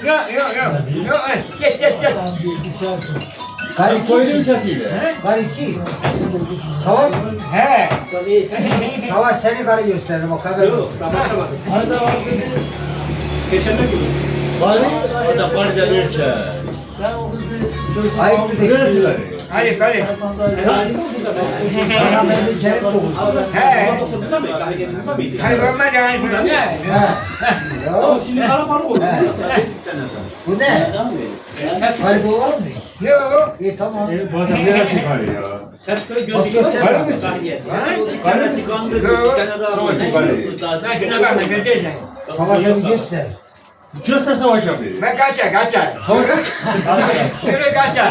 Yok. Geç. Sen koydun sesiyle. Karı iki. Savaş. He. Savaş seni karı gösteririm o kadar. Yok, daha başlamadım. Arada var dedi. Geçenler gibi. Bari o da bari de bir çay. Ben o kızı sözünü Ayıp aldım. bir de. Neresiler? Hadi. Bana ben bir kere soğuk. He. Burada mı? Kahve burada mıydı? Hayır olmaz yani burada ne? He. Ama Yok. şimdi kalabalık oldu. He. Bu ne? Karı doğar mı? Yok. İyi tamam. Bu adam nereye çıkar ya? Selçuk'a göz Bak, dikiyor. göster misin? Kendisi kandırdı. Bir tane daha var. Lan şuna bakma göreceksin. Savaşa bir göster. Göster savaş yapıyor. Ben kaçar. Savaş Yürü kaçar.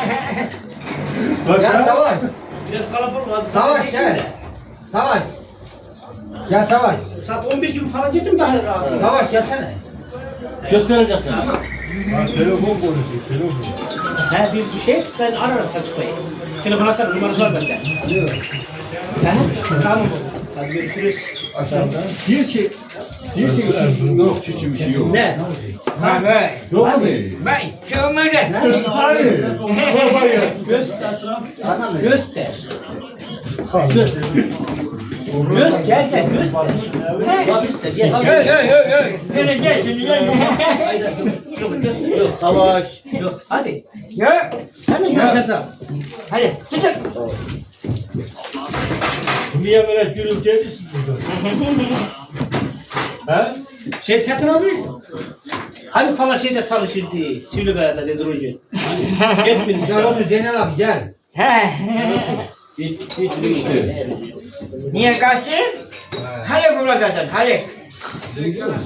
Gel Savaş. Biraz kalabalık oldu. Savaş gel. Savaş. Gel Savaş. Saat 11 gibi falan gittim daha rahat. Savaş gelsene. Göstereceksin. Telefon konuşuyor, telefon. He bir şey ben ararım Selçuk Bey'i. Telefon açarım numarası var bende. Yok. Tamam. Hadi görüşürüz. Aşağıda. Bir şey. Yok çiçi bir şey yok. Ne? Abi. Yok mu böyle? Ben şey olmaz ya. Hadi. Var ya. Göster. Bana mı? Göster. Gel göster. Göster. Yok. Gel. Yok göster. Yok savaş. Yok hadi. Yok. Sen de görüşeceğim. Hadi çık. Niye böyle gürültü ediyorsun burada? He? Şey Çetin abi. Hani pala şeyde çalışırdı. Sivribaya'da dedrocu. Gel benim. Gel otur Zeynel abi gel. He. İşte. Niye kaçtın? Hadi bulacaksın. Hadi. Değil mi?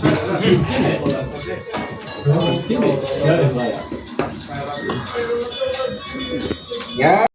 Gel. Ya.